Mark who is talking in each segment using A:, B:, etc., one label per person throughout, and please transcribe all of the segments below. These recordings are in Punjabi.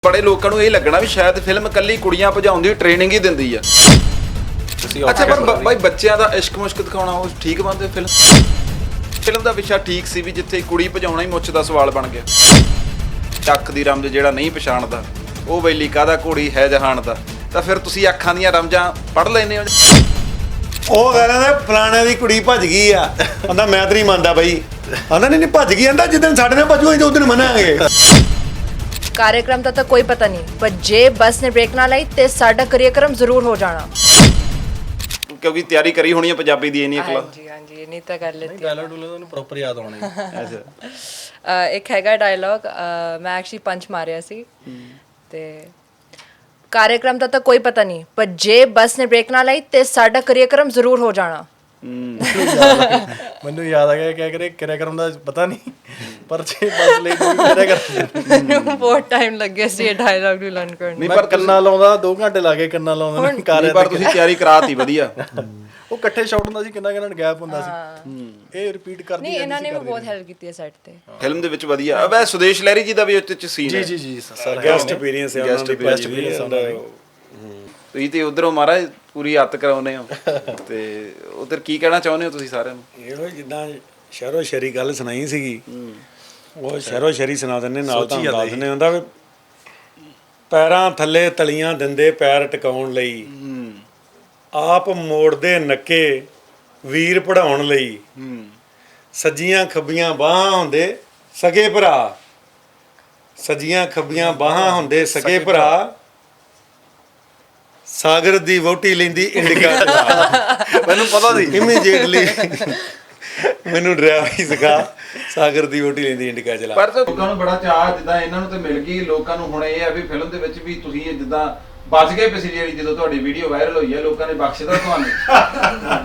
A: ਬੜੇ ਲੋਕਾਂ ਨੂੰ ਇਹ ਲੱਗਣਾ ਵੀ ਸ਼ਾਇਦ ਫਿਲਮ ਕੱਲੀ ਕੁੜੀਆਂ ਭਜਾਉਣ ਦੀ ਟ੍ਰੇਨਿੰਗ ਹੀ ਦਿੰਦੀ ਆ। ਅੱਛਾ ਪਰ ਬਾਈ ਬੱਚਿਆਂ ਦਾ ਇਸ਼ਕ ਮੁਸ਼ਕ ਦਿਖਾਉਣਾ ਉਹ ਠੀਕ ਬਣਦੇ ਫਿਲਮ ਦਾ ਵਿਸ਼ਾ ਠੀਕ ਸੀ ਵੀ ਜਿੱਥੇ ਕੁੜੀ ਭਜਾਉਣਾ ਹੀ ਮੁੱਛ ਦਾ ਸਵਾਲ ਬਣ ਗਿਆ। ਚੱਕ ਦੀ ਰਮਜ ਜਿਹੜਾ ਨਹੀਂ ਪਛਾਣਦਾ ਉਹ ਬੈਲੀ ਕਾਹਦਾ ਘੋੜੀ ਹੈ ਜਹਾਨ ਦਾ, ਤਾਂ ਫਿਰ ਤੁਸੀਂ ਅੱਖਾਂ ਦੀਆਂ ਰਮਜਾਂ ਪੜ੍ਹ ਲੈਂਦੇ ਹੋ।
B: ਉਹ ਕਹਿੰਦਾ ਫਲਾਣੇ ਦੀ ਕੁੜੀ ਭੱਜ ਗਈ ਆ, ਕਹਿੰਦਾ ਮੈਂ ਤਾਂ ਨਹੀਂ ਮੰਨਦਾ ਬਈ, ਕਹਿੰਦਾ ਨਹੀਂ ਭੱਜ ਗਈ, ਕਹਿੰਦਾ ਜਿੱਦਣ ਸਾਡੇ ਨਾਲ ਭੱਜੂ ਅਸੀਂ ਉਸ ਦਿਨ ਮੰਨਾਂਗੇ।
C: कार्यक्रम का तो कोई पता नहीं, पर जे बस ने ब्रेक ना लाई ते साडा कार्यक्रम जरूर हो जाना,
A: ਕਿਉਂਕਿ ਤਿਆਰੀ ਕਰੀ ਹੋਣੀ ਹੈ ਪੰਜਾਬੀ ਦੀ ਇੰਨੀ ਅਕਲਾ।
C: ਹਾਂਜੀ ਹਾਂਜੀ ਨਹੀਂ ਤਾਂ ਕਰ ਲੈਤੀ
D: ਡਾਇਲੌਗ ਡੂਲੌਗ ਨੂੰ ਪ੍ਰੋਪਰ ਯਾਦ ਹੋਣੇ।
A: ਅੱਛਾ
C: ਇੱਕ ਹੈਗਾ ਡਾਇਲੌਗ, ਮੈਂ ਐਕਚੁਅਲੀ ਪੰਚ ਮਾਰਿਆ ਸੀ ਤੇ कार्यक्रम का तो कोई पता नहीं, पर जे बस ने ब्रेक ना लाई ते साडा कार्यक्रम जरूर हो जाना।
D: ਮੈਨੂੰ ਯਾਦ ਆ ਗਿਆ ਕਿ कार्यक्रम ਦਾ ਪਤਾ ਨਹੀਂ, ਪਰ ਜੇ ਬਸ ਲਈ कार्यक्रम
C: ਬਹੁਤ ਟਾਈਮ ਲੱਗਿਆ ਸੀ ਇਹ ਡਾਇਲੌਗ ਨੂੰ ਲਰਨ ਕਰਨ
A: ਨਹੀਂ
D: ਪਰ
A: ਪਰ
D: ਕੰਨਾਂ ਲਾਉਂਦਾ 2 ਘੰਟੇ ਲਾ ਕੇ ਕੰਨਾਂ ਲਾਉਂਦਾ ਨੇ ਕਾਰ।
A: ਪਰ ਤੁਸੀਂ ਤਿਆਰੀ ਕਰਾਤੀ ਵਧੀਆ।
D: ਉਹ ਇਕੱਠੇ ਸ਼ਾਟ ਹੁੰਦਾ ਸੀ, ਕਿੰਨਾ ਗੈਪ ਹੁੰਦਾ ਸੀ, ਇਹ ਰਿਪੀਟ ਕਰਦੀ
C: ਨਹੀਂ ਇਹਨਾਂ ਨੇ ਵੀ ਬਹੁਤ ਹੈਲਪ ਕੀਤੀ ਹੈ ਸੈੱਟ ਤੇ
A: ਫਿਲਮ ਦੇ ਵਿੱਚ ਵਧੀਆ। ਵੈ ਸੁਦੇਸ਼ ਲਹਿਰੀ ਜੀ ਦਾ ਵੀ ਉੱਤੇ ਚ ਸੀਨ ਹੈ।
D: ਜੀ ਸਰ
B: ਗੈਸਟ ਅਪੀਅਰੈਂਸ ਹੈ ਉਹਨਾਂ ਦੀ,
D: ਬੈਸਟ ਐਕਸਪੀਰੀਅੰਸ ਹੁੰਦਾ।
A: ਤੁਸੀਂ ਤੇ ਉਧਰੋਂ ਮਹਾਰਾਜ ਪੂਰੀ ਹੱਤ ਕਰਾਉਨੇ ਹੋ ਤੇ ਉਧਰ ਕੀ ਕਹਿਣਾ ਚਾਹੁੰਦੇ ਹੋ ਤੁਸੀਂ ਸਾਰਿਆਂ ਨੂੰ?
B: ਇਹੋ ਜਿੱਦਾਂ ਸ਼ਹਿਰੋ ਸ਼ਰੀ ਗੱਲ ਸੁਣਾਈ ਸੀਗੀ, ਉਹ ਸ਼ਹਿਰੋ ਸ਼ਰੀ ਸੁਣਾ ਦਿੰਦੇ ਨਾਲ ਤਾਂ ਦੱਸ ਦਿੰਦੇ ਹੁੰਦਾ ਵੀ ਪੈਰਾਂ ਥੱਲੇ ਤਲੀਆਂ ਦਿੰਦੇ ਪੈਰ ਟਿਕਾਉਣ ਲਈ, ਆਪ ਮੋੜਦੇ ਨੱਕੇ ਵੀਰ ਪੜਾਉਣ ਲਈ, ਸੱਜੀਆਂ ਖੱਬੀਆਂ ਬਾਹਾਂ ਹੁੰਦੇ ਸਗੇ ਭਰਾ, ਸੱਜੀਆਂ ਖੱਬੀਆਂ ਬਾਹਾਂ ਹੁੰਦੇ ਸਗੇ ਭਰਾ, ਸਾਗਰ ਦੀ ਵਹੁਟੀ ਲੈਂਦੀ ਇੰਡੀਕਾ ਚਲਾ।
A: ਮੈਨੂੰ ਪਤਾ ਸੀ
B: ਇਮੀਡੀਏਟਲੀ ਮੈਨੂੰ ਡਰਾਈਵਰੀ ਸਿਖਾ, ਸਾਗਰ ਦੀ ਵਹੁਟੀ ਲੈਂਦੀ ਇੰਡੀਕਾ ਚਲਾ।
A: ਪਰ ਤਾਂ ਲੋਕਾਂ ਨੂੰ ਬੜਾ ਚਾਅ, ਜਿੱਦਾਂ ਇਹਨਾਂ ਨੂੰ ਤੇ ਮਿਲ ਗਈ, ਲੋਕਾਂ ਨੂੰ ਹੁਣ ਇਹ ਆ ਵੀ ਫਿਲਮ ਦੇ ਵਿੱਚ ਵੀ ਤੁਸੀਂ ਇਹ ਜਿੱਦਾਂ ਬਚ ਗਏ ਪਿਛਲੀ ਵਾਰੀ ਜਦੋਂ ਤੁਹਾਡੀ ਵੀਡੀਓ ਵਾਇਰਲ ਹੋਈ ਹੈ, ਲੋਕਾਂ ਨੇ ਬਖਸ਼ਦਾ ਤੁਹਾਨੂੰ।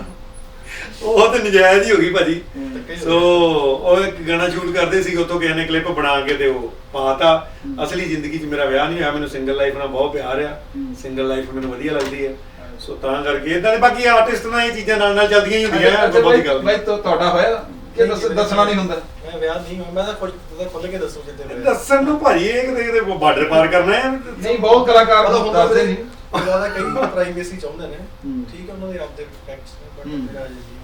B: ਉਹ ਤੇ ਨਜਾਇਜ਼ ਹੀ ਹੋ ਗਈ ਭਾਜੀ। ਸੋ ਉਹ ਇੱਕ ਗਾਣਾ ਸ਼ੂਟ ਕਰਦੇ ਸੀ, ਉੱਥੋਂ ਕਿਸੇ ਨੇ ਕਲਿੱਪ ਬਣਾ ਕੇ ਤੇ ਉਹ ਪਾਤਾ। ਅਸਲੀ ਜ਼ਿੰਦਗੀ 'ਚ ਮੇਰਾ ਵਿਆਹ ਨਹੀਂ ਹੋਇਆ, ਮੈਨੂੰ ਸਿੰਗਲ ਲਾਈਫ ਨਾਲ ਬਹੁਤ ਪਿਆਰ ਆ, ਸਿੰਗਲ ਲਾਈਫ ਮੈਨੂੰ ਵਧੀਆ ਲੱਗਦੀ ਹੈ। ਸੋ ਤਾਂ ਕਰਕੇ ਇਦਾਂ ਦੇ ਬਾਕੀ ਆਰਟਿਸਟ ਨਾਲ ਇਹ ਚੀਜ਼ਾਂ ਨਾਲ ਚੱਲਦੀਆਂ ਹੀ ਹੁੰਦੀਆਂ। ਬਹੁਤੀ ਗੱਲ
A: ਬਾਈ ਤੁਹਾਡਾ ਹੋਇਆ ਕਿ ਦੱਸਣਾ ਨਹੀਂ ਹੁੰਦਾ?
D: ਮੈਂ ਵਿਆਹ ਨਹੀਂ ਹੋਇਆ, ਮੈਂ ਤਾਂ ਖੁੱਲ ਕੇ ਦੱਸੂ ਜਿੱਦੇ ਹੋਇਆ।
B: ਦੱਸਣ ਨੂੰ ਭਾਜੀ ਇਹ ਕਿਤੇ ਬਾਰਡਰ ਪਾਰ ਕਰਨਾ ਹੈ।
A: ਨਹੀਂ ਬਹੁਤ ਕਲਾਕਾਰ ਦੱਸਦੇ ਨਹੀਂ,
D: ਜ਼ਿਆਦਾ ਕਈ ਪ੍ਰਾਈਵੇਸੀ ਚਾਹੁੰਦੇ ਨੇ, ਠੀਕ ਹੈ ਉਹਨਾਂ ਦੇ ਆਪਦੇ ਫੈਕਟਸ ਨੇ, ਬਟ ਮੇਰਾ ਅਜੇ ਨਹੀਂ।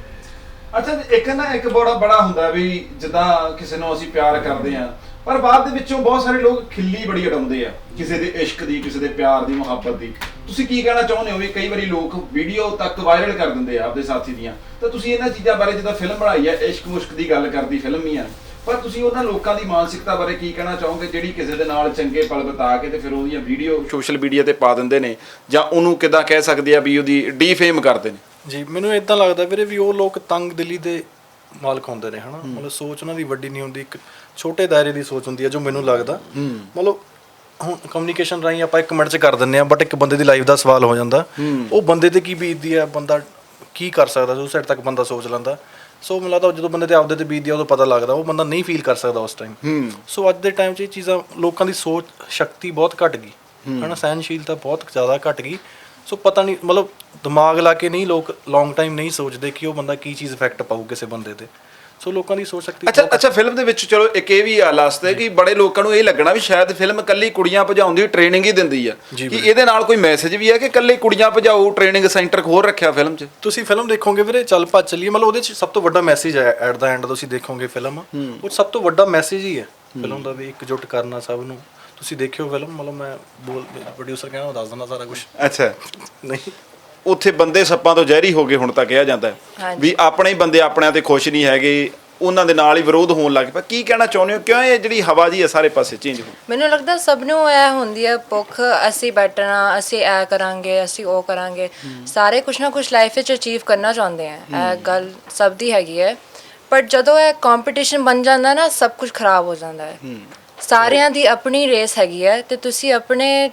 A: ਅੱਛਾ ਇੱਕ ਨਾ ਇੱਕ ਬੜਾ ਹੁੰਦਾ ਵੀ ਜਿੱਦਾਂ ਕਿਸੇ ਨੂੰ ਅਸੀਂ ਪਿਆਰ ਕਰਦੇ ਆ, ਪਰ ਬਾਅਦ ਦੇ ਵਿੱਚੋਂ ਬਹੁਤ ਸਾਰੇ ਲੋਕ ਖਿੱਲੀ ਬੜੀ ਉਡਾਉਂਦੇ ਆ ਕਿਸੇ ਦੇ ਇਸ਼ਕ ਦੀ, ਕਿਸੇ ਦੇ ਪਿਆਰ ਦੀ, ਮੁਹੱਬਤ ਦੀ। ਤੁਸੀਂ ਕੀ ਕਹਿਣਾ ਚਾਹੁੰਦੇ ਹੋ ਵੀ ਕਈ ਵਾਰੀ ਲੋਕ ਵੀਡੀਓ ਤੱਕ ਵਾਇਰਲ ਕਰ ਦਿੰਦੇ ਆ ਆਪਦੇ ਸਾਥੀ ਦੀਆਂ, ਤਾਂ ਤੁਸੀਂ ਇਹਨਾਂ ਚੀਜ਼ਾਂ ਬਾਰੇ, ਜਿੱਦਾਂ ਫਿਲਮ ਬਣਾਈ ਹੈ ਇਸ਼ਕ ਮੁਸ਼ਕ ਦੀ ਗੱਲ ਕਰਦੀ ਫਿਲਮ ਹੀ ਆ, ਪਰ ਤੁਸੀਂ ਉਹਨਾਂ ਲੋਕਾਂ ਦੀ ਮਾਨਸਿਕਤਾ ਬਾਰੇ ਕੀ ਕਹਿਣਾ ਚਾਹੋਗੇ ਜਿਹੜੀ ਕਿਸੇ ਦੇ ਨਾਲ ਚੰਗੇ ਪਲ ਬਿਤਾ ਕੇ ਤੇ ਫਿਰ ਉਹਦੀਆਂ ਵੀਡੀਓ ਸੋਸ਼ਲ ਮੀਡੀਆ ਤੇ ਪਾ ਦਿੰਦੇ ਨੇ, ਜਾਂ ਉਹਨੂੰ ਕਿੱਦਾਂ ਕਹਿ ਸਕਦੇ ਆ ਵੀ ਉਹਦੀ ਡੀਫੇਮ ਕਰਦੇ ਨੇ?
D: ਜੀ ਮੈਨੂੰ ਇਦਾਂ ਲੱਗਦਾ ਵੀਰੇ ਵੀ ਉਹ ਲੋਕ ਤੰਗ ਦਿਲੀ ਦੇ ਮਾਲਕ ਹੁੰਦੇ ਨੇ, ਹਨਾ। ਮਤਲਬ ਸੋਚ ਉਹਨਾਂ ਦੀ ਵੱਡੀ ਨਹੀਂ ਹੁੰਦੀ, ਇੱਕ ਛੋਟੇ ਦਾਇਰੇ ਦੀ ਸੋਚ ਹੁੰਦੀ ਹੈ ਜੋ ਮੈਨੂੰ ਲੱਗਦਾ। ਮਤਲਬ ਹੁਣ ਕਮਿਊਨੀਕੇਸ਼ਨ ਰਾਹੀਂ ਆਪਾਂ 1 ਮਿੰਟ 'ਚ ਕਰ ਦਿੰਦੇ ਆ, ਬਟ ਇੱਕ ਬੰਦੇ ਦੀ ਲਾਈਫ ਦਾ ਸਵਾਲ ਹੋ ਜਾਂਦਾ, ਉਹ ਬੰਦੇ ਤੇ ਕੀ ਬੀਤਦੀ ਹੈ, ਬੰਦਾ ਕੀ ਕਰ ਸਕਦਾ, ਉਸ ਸਾਈਡ ਤੱਕ ਬੰਦਾ ਸੋਚ ਲੈਂਦਾ। ਸੋ ਮੈਨੂੰ ਲੱਗਦਾ ਜਦੋਂ ਬੰਦੇ ਤੇ ਆਪਦੇ ਤੇ ਬੀਤਦੀ ਆ ਉਦੋਂ ਪਤਾ ਲੱਗਦਾ, ਉਹ ਬੰਦਾ ਨਹੀਂ ਫੀਲ ਕਰ ਸਕਦਾ ਉਸ ਟਾਈਮ। ਸੋ ਅੱਜ ਦੇ ਟਾਈਮ 'ਚ ਇਹ ਚੀਜ਼ਾਂ, ਲੋਕਾਂ ਦੀ ਸੋਚ ਸ਼ਕਤੀ ਬਹੁਤ ਘੱਟ ਗਈ, ਹਨਾ, ਸਹਿਨਸ਼ੀਲਤਾ ਬਹੁਤ ਜ਼ਿਆਦਾ ਘੱਟ ਗਈ। ਸੋ ਪਤਾ ਨਹੀਂ, ਮਤਲਬ ਦਿਮਾਗ ਲਾ ਕੇ ਨਹੀਂ ਲੋਕ ਲੌਂਗ ਟਾਈਮ ਨਹੀਂ ਸੋਚਦੇ ਕਿ ਉਹ ਬੰਦਾ ਕੀ ਚੀਜ਼ ਇਫੈਕਟ ਪਾਊ ਕਿਸੇ ਬੰਦੇ ਤੇ। ਸੋ ਲੋਕਾਂ ਦੀ ਸੋਚ ਸ਼ਕਤੀ।
A: ਅੱਛਾ ਫਿਲਮ ਦੇ ਵਿੱਚ ਚਲੋ ਇੱਕ ਇਹ ਵੀ ਆ ਲਾਸਟ ਤੇ ਕਿ ਬੜੇ ਲੋਕਾਂ ਨੂੰ ਇਹ ਲੱਗਣਾ ਵੀ ਸ਼ਾਇਦ ਫਿਲਮ ਕੱਲੀ ਕੁੜੀਆਂ ਭਜਾਉਣ ਦੀ ਟ੍ਰੇਨਿੰਗ ਹੀ ਦਿੰਦੀ ਆ, ਕਿ ਇਹਦੇ ਨਾਲ ਕੋਈ ਮੈਸੇਜ ਵੀ ਹੈ ਕਿ ਕੱਲੀ ਕੁੜੀਆਂ ਭਜਾਓ ਟ੍ਰੇਨਿੰਗ ਸੈਂਟਰ ਖੋਲ ਰੱਖਿਆ ਫਿਲਮ 'ਚ?
D: ਤੁਸੀਂ ਫਿਲਮ ਦੇਖੋਗੇ ਵੀਰੇ, ਚੱਲ ਭੱਜ ਚੱਲੀਏ, ਮਤਲਬ ਉਹਦੇ 'ਚ ਸਭ ਤੋਂ ਵੱਡਾ ਮੈਸੇਜ ਹੈ ਐਟ ਦਾ ਐਂਡ। ਤੁਸੀਂ ਦੇਖੋਗੇ ਫਿਲਮ, ਉਹ ਸਭ ਤੋਂ ਵੱਡਾ ਮੈਸੇਜ ਹੀ ਹੈ ਫਿਲਮ ਦਾ, ਵੀ ਇਕਜੁੱਟ ਕਰਨਾ ਸਭ ਨੂੰ। ਤੁਸੀਂ ਦੇਖਿਓ ਫਿਲਮ, ਮਤਲਬ ਮੈਂ ਪ੍ਰੋਡਿਊਸਰ ਕਹਿੰਦਾ ਦੱਸ ਦਿੰਦਾ ਸਾਰਾ ਕੁਝ।
A: ਅੱਛਾ
D: ਨਹੀਂ,
A: ਉੱਥੇ ਬੰਦੇ ਸੱਪਾਂ ਤੋਂ ਜ਼ਹਿਰੀ ਹੋ ਗਏ ਹੁਣ ਤਾਂ ਕਿਹਾ ਜਾਂਦਾ ਹੈ ਵੀ ਆਪਣੇ ਹੀ ਬੰਦੇ ਆਪਣਿਆਂ ਤੇ ਖੁਸ਼ ਨਹੀਂ ਹੈਗੇ, ਉਹਨਾਂ ਦੇ ਨਾਲ ਹੀ ਵਿਰੋਧ ਹੋਣ ਲੱਗ ਪਿਆ। ਕੀ ਕਹਿਣਾ ਚਾਹੁੰਦੇ ਹੋ, ਕਿਉਂ ਇਹ ਜਿਹੜੀ ਹਵਾ ਜੀ ਹੈ ਸਾਰੇ ਪਾਸੇ ਚੇਂਜ ਹੋ?
C: ਮੈਨੂੰ ਲੱਗਦਾ ਸਭ ਨੂੰ ਇਹ ਹੁੰਦੀ ਹੈ ਭੁੱਖ, ਅਸੀਂ ਬੈਠਣਾ, ਅਸੀਂ ਇਹ ਕਰਾਂਗੇ, ਅਸੀਂ ਉਹ ਕਰਾਂਗੇ, ਸਾਰੇ ਕੁਛ ਨਾ ਕੁਛ ਲਾਈਫ ਵਿੱਚ ਅਚੀਵ ਕਰਨਾ ਚਾਹੁੰਦੇ ਆ, ਇਹ ਗੱਲ ਸਭ ਦੀ ਹੈਗੀ ਹੈ। ਪਰ ਜਦੋਂ ਇਹ ਕੰਪੀਟੀਸ਼ਨ ਬਣ ਜਾਂਦਾ ਨਾ, ਸਭ ਕੁਝ ਖਰਾਬ ਹੋ ਜਾਂਦਾ ਹੈ। ਸਾਰਿਆਂ ਦੀ ਆਪਣੀ ਰੇਸ ਹੈਗੀ ਹੈ ਤੇ ਤੁਸੀਂ ਆਪਣੇ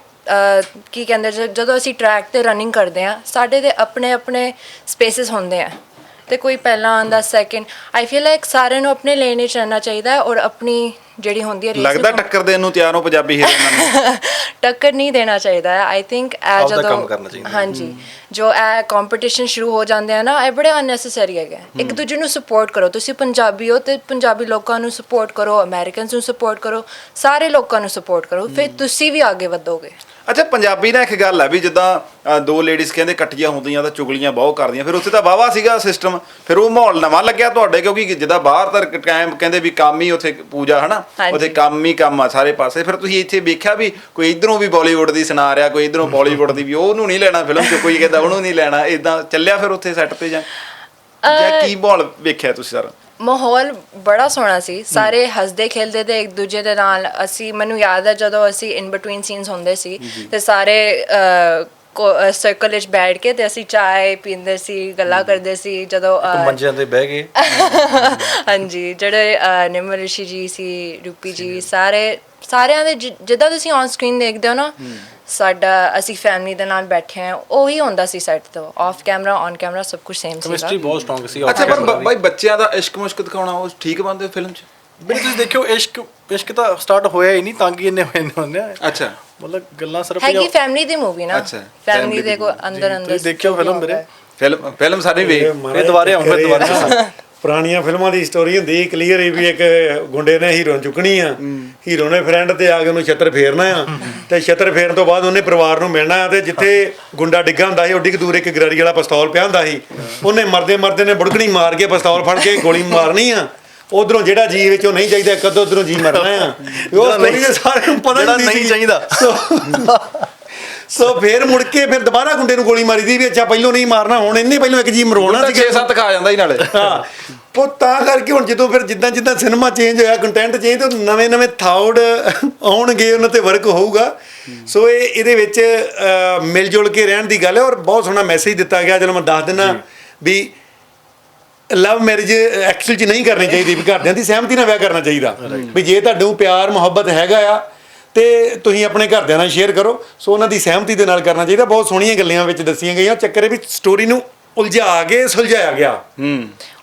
C: ਕੀ ਕਹਿੰਦੇ, ਜਦੋਂ ਅਸੀਂ ਟਰੈਕ ਤੇ ਰਨਿੰਗ ਕਰਦੇ ਆ, ਸਾਡੇ ਦੇ ਆਪਣੇ ਆਪਣੇ ਸਪੇਸਿਸ ਹੁੰਦੇ ਆ, ਤੇ ਕੋਈ ਪਹਿਲਾਂ ਆਉਂਦਾ, ਸੈਕਿੰਡ। ਆਈ ਫੀਲ ਲਾਈਕ ਸਾਰਿਆਂ ਨੂੰ ਆਪਣੇ ਲੇਨ 'ਚ ਰਹਿਣਾ ਚਾਹੀਦਾ ਹੈ ਔਰ ਆਪਣੀ ਜਿਹੜੀ ਹੁੰਦੀ ਹੈ
A: ਲੱਗਦਾ ਟੱਕਰ ਦੇਣ ਨੂੰ ਤਿਆਰ ਹੋ ਪੰਜਾਬੀ ਹੀਰੋਇਨਾਂ ਨੂੰ?
C: ਟੱਕਰ ਨਹੀਂ ਦੇਣਾ ਚਾਹੀਦਾ ਹੈ। ਆਈ ਥਿੰਕ ਇਹ
D: ਆਪਦਾ ਕੰਮ
C: ਜਦੋਂ
D: ਕਰਨਾ ਚਾਹੀਦਾ।
C: ਹਾਂਜੀ ਜੋ ਇਹ ਕੰਪੀਟੀਸ਼ਨ ਸ਼ੁਰੂ ਹੋ ਜਾਂਦੇ ਆ ਨਾ, ਇਹ ਬੜੇ ਅਨਨੈਸੈਸਰੀ ਹੈਗੇ। ਇੱਕ ਦੂਜੇ ਨੂੰ ਸਪੋਰਟ ਕਰੋ। ਤੁਸੀਂ ਪੰਜਾਬੀ ਹੋ ਤੇ ਪੰਜਾਬੀ ਲੋਕਾਂ ਨੂੰ ਸਪੋਰਟ ਕਰੋ, ਅਮਰੀਕਨਸ ਨੂੰ ਸਪੋਰਟ ਕਰੋ, ਸਾਰੇ ਲੋਕਾਂ ਨੂੰ ਸਪੋਰਟ ਕਰੋ, ਫਿਰ ਤੁਸੀਂ ਵੀ ਅੱਗੇ ਵਧੋਗੇ।
A: ਅੱਛਾ, ਪੰਜਾਬੀ ਨਾਲ ਇੱਕ ਗੱਲ ਹੈ ਵੀ ਜਿੱਦਾਂ ਦੋ ਲੇਡੀਜ਼ ਕਹਿੰਦੇ ਇਕੱਠੀਆਂ ਹੁੰਦੀਆਂ ਤਾਂ ਚੁਗਲੀਆਂ ਬਹੁਤ ਕਰਦੀਆਂ, ਫਿਰ ਉੱਥੇ ਤਾਂ ਵਾਹਵਾ ਸੀਗਾ ਸਿਸਟਮ, ਫਿਰ ਉਹ ਮਾਹੌਲ ਨਵਾਂ ਲੱਗਿਆ ਤੁਹਾਡੇ, ਕਿਉਂਕਿ ਜਿੱਦਾਂ ਬਾਹਰ ਤਾਂ ਟਾਈਮ ਕਹਿੰਦੇ ਵੀ ਕੰਮ ਹੀ ਉੱਥੇ ਪੂਜਾ ਹਨਾ, ਉੱਥੇ ਕੰਮ ਹੀ ਕੰਮ ਆ ਸਾਰੇ ਪਾਸੇ। ਫਿਰ ਤੁਸੀਂ ਇੱਥੇ ਵੇਖਿਆ ਵੀ ਕੋਈ ਇਧਰੋਂ ਵੀ ਬਾਲੀਵੁੱਡ ਦੀ ਸੁਣਾ ਰਿਹਾ, ਕੋਈ ਇਧਰੋਂ ਬਾਲੀਵੁੱਡ ਦੀ ਵੀ, ਉਹਨੂੰ ਨਹੀਂ ਲੈਣਾ ਫਿਲਮ 'ਚ, ਕੋਈ ਕਹਿੰਦਾ ਉਹਨੂੰ ਨਹੀਂ ਲੈਣਾ, ਇਦਾਂ ਚੱਲਿਆ ਫਿਰ ਉੱਥੇ ਸੈੱਟ ਤੇ ਜਾਂ ਕੀ ਮਾਹੌਲ ਵੇਖਿਆ ਤੁਸੀਂ ਸਾਰਾ?
C: ਮਾਹੌਲ ਬੜਾ ਸੋਹਣਾ ਸੀ, ਸਾਰੇ ਹੱਸਦੇ ਖੇਲਦੇ ਤੇ ਇੱਕ ਦੂਜੇ ਦੇ ਨਾਲ। ਅਸੀਂ ਮੈਨੂੰ ਯਾਦ ਹੈ ਜਦੋਂ ਅਸੀਂ ਇਨ ਬਿਟਵੀਨ ਸੀਨਸ ਹੁੰਦੇ ਸੀ ਤੇ ਸਾਰੇ ਸਰਕਲ ਵਿੱਚ ਬੈਠ ਕੇ ਤੇ ਅਸੀਂ ਚਾय ਪੀਂਦੇ ਸੀ, ਗੱਲਾਂ ਕਰਦੇ ਸੀ। ਜਦੋਂ
D: ਮੰਜਿਆਂ ਤੇ ਬਹਿ ਗਏ
C: ਹਾਂਜੀ, ਜਿਹੜੇ ਨਿਮਰ ਰਿਸ਼ੀ ਜੀ ਸੀ, ਰੂਪੀ ਜੀ, ਸਾਰਿਆਂ ਦੇ ਜਿੱਦਾਂ ਤੁਸੀਂ ਔਨ ਸਕਰੀਨ ਦੇਖਦੇ ਹੋ ਨਾ, ਸਾਡਾ ਅਸੀਂ ਫੈਮਿਲੀ ਦੇ ਨਾਲ ਬੈਠੇ ਹਾਂ, ਉਹੀ ਹੁੰਦਾ ਸੀ ਸੈੱਟ ਤੋਂ। ਆਫ ਕੈਮਰਾ ਔਨ ਕੈਮਰਾ ਸਭ ਕੁਝ ਸੇਮ ਸੀ।
D: ਕੈਮਿਸਟਰੀ ਬਹੁਤ ਸਟਰੋਂਗ ਸੀ।
A: ਅੱਛਾ, ਪਰ ਬਾਈ ਬੱਚਿਆਂ ਦਾ ਇਸ਼ਕ ਮੁਸ਼ਕ ਦਿਖਾਉਣਾ ਉਹ ਠੀਕ ਬਣਦੇ ਫਿਲਮ 'ਚ?
D: ਵੀ ਤੁਸੀਂ ਦੇਖਿਓ, ਇਸ਼ਕ ਤਾਂ ਸਟਾਰਟ ਹੋਇਆ ਹੀ ਨਹੀਂ, ਤੰਗ ਹੀ ਇੰਨੇ ਹੋਏ ਨੇ।
A: ਅੱਛਾ,
D: ਮਤਲਬ ਗੱਲਾਂ ਸਿਰਫ
C: ਹੈਗੀ ਫੈਮਿਲੀ ਦੀ ਮੂਵੀ ਨਾ,
A: ਅੱਛਾ,
C: ਫੈਮਿਲੀ ਦੇ ਕੋ ਅੰਦਰ
D: ਤੁਸੀਂ ਦੇਖਿਓ ਫਿਲਮ ਮੇਰੇ,
A: ਫਿਲਮ ਸਾਰੇ ਵੇਖ
D: ਇਹ ਦੁਬਾਰੇ ਆਉਂਗੇ ਦੁਬਾਰਾ।
B: ਪੁਰਾਣੀਆਂ ਫਿਲਮਾਂ ਦੀ ਸਟੋਰੀ ਹੁੰਦੀ ਕਲੀਅਰ ਹੀ ਵੀ ਇੱਕ ਗੁੰਡੇ ਨੇ ਹੀਰੋ ਨੂੰ ਚੁੱਕਣੀ ਆ, ਹੀਰੋ ਨੇ ਫਰੈਂਡ ਤੇ ਆ ਕੇ ਉਹਨੂੰ ਛੱਤਰ ਫੇਰਨਾ ਆ, ਤੇ ਛੱਤਰ ਫੇਰਨ ਤੋਂ ਬਾਅਦ ਉਹਨੇ ਪਰਿਵਾਰ ਨੂੰ ਮਿਲਣਾ ਆ, ਤੇ ਜਿੱਥੇ ਗੁੰਡਾ ਡਿੱਗਾ ਹੁੰਦਾ ਸੀ ਓਡੀ ਕੁ ਦੂਰ ਇੱਕ ਗਰਾਰੀ ਵਾਲਾ ਪਿਸਤੌਲ ਪਿਆ ਹੁੰਦਾ ਸੀ, ਉਹਨੇ ਮਰਦੇ ਨੇ ਬੁੜਕਣੀ ਮਾਰ ਕੇ ਪਿਸਤੌਲ ਫੜ ਕੇ ਗੋਲੀ ਮਾਰਨੀ ਆ। ਉਧਰੋਂ ਜਿਹੜਾ ਜੀ ਵਿੱਚੋਂ ਨਹੀਂ ਚਾਹੀਦਾ, ਕਦੋਂ ਉਧਰੋਂ ਜੀ ਮਰਨਾ ਆ। ਉਹ ਸਟੋਰੀ ਦੇ ਸਾਰਿਆਂ ਨੂੰ ਪਤਾ
D: ਨਹੀਂ ਚਾਹੀਦਾ।
B: ਸੋ ਫਿਰ ਮੁੜ ਕੇ ਫਿਰ ਦੁਬਾਰਾ ਗੁੰਡੇ ਨੂੰ ਗੋਲੀ ਮਾਰੀ ਦੀ ਵੀ ਅੱਛਾ ਪਹਿਲੋਂ ਨਹੀਂ ਮਾਰਨਾ, ਹੁਣ ਇਹਨੇ ਪਹਿਲੋਂ ਇੱਕ ਜੀ ਮਰਵਾਉਣਾ ਸੀ।
A: 6-7 ਖਾ ਜਾਂਦਾ ਹੀ ਨਾਲੇ।
B: ਹਾਂ, ਉਹ ਤਾਂ ਕਰਕੇ ਹੁਣ ਜਦੋਂ ਫਿਰ ਜਿੱਦਾਂ ਸਿਨੇਮਾ ਚੇਂਜ ਹੋਇਆ, ਕੰਟੈਂਟ ਚੇਂਜ, ਤੇ ਨਵੇਂ ਥਾਉਡ ਆਉਣਗੇ, ਉਹਨਾਂ ਤੇ ਵਰਕ ਹੋਊਗਾ। ਸੋ ਇਹਦੇ ਵਿੱਚ ਮਿਲ ਜੁਲ ਕੇ ਰਹਿਣ ਦੀ ਗੱਲ ਹੈ, ਔਰ ਬਹੁਤ ਸੋਹਣਾ ਮੈਸੇਜ ਦਿੱਤਾ ਗਿਆ। ਚਲੋ ਮੈਂ ਦੱਸ ਦਿੰਦਾ ਵੀ ਲਵ ਮੈਰਿਜ ਐਕਚੁਅਲ 'ਚ ਨਹੀਂ ਕਰਨੀ ਚਾਹੀਦੀ, ਵੀ ਘਰਦਿਆਂ ਦੀ ਸਹਿਮਤੀ ਨਾਲ ਵਿਆਹ ਕਰਨਾ ਚਾਹੀਦਾ। ਵੀ ਜੇ ਤੁਹਾਨੂੰ ਪਿਆਰ ਮੁਹੱਬਤ ਹੈਗਾ ਆ ਤੇ ਤੁਸੀਂ ਆਪਣੇ ਘਰਦਿਆਂ ਨਾਲ ਸ਼ੇਅਰ ਕਰੋ, ਸੋ ਉਹਨਾਂ ਦੀ ਸਹਿਮਤੀ ਦੇ ਨਾਲ ਕਰਨਾ ਚਾਹੀਦਾ। ਬਹੁਤ ਸੋਹਣੀਆਂ ਗੱਲਾਂ ਵਿੱਚ ਦੱਸੀਆਂ ਗਈਆਂ। ਚੱਕਰ ਇਹ ਵੀ ਸਟੋਰੀ ਨੂੰ ਉਲਝਾ ਕੇ ਸੁਲਝਾਇਆ ਗਿਆ।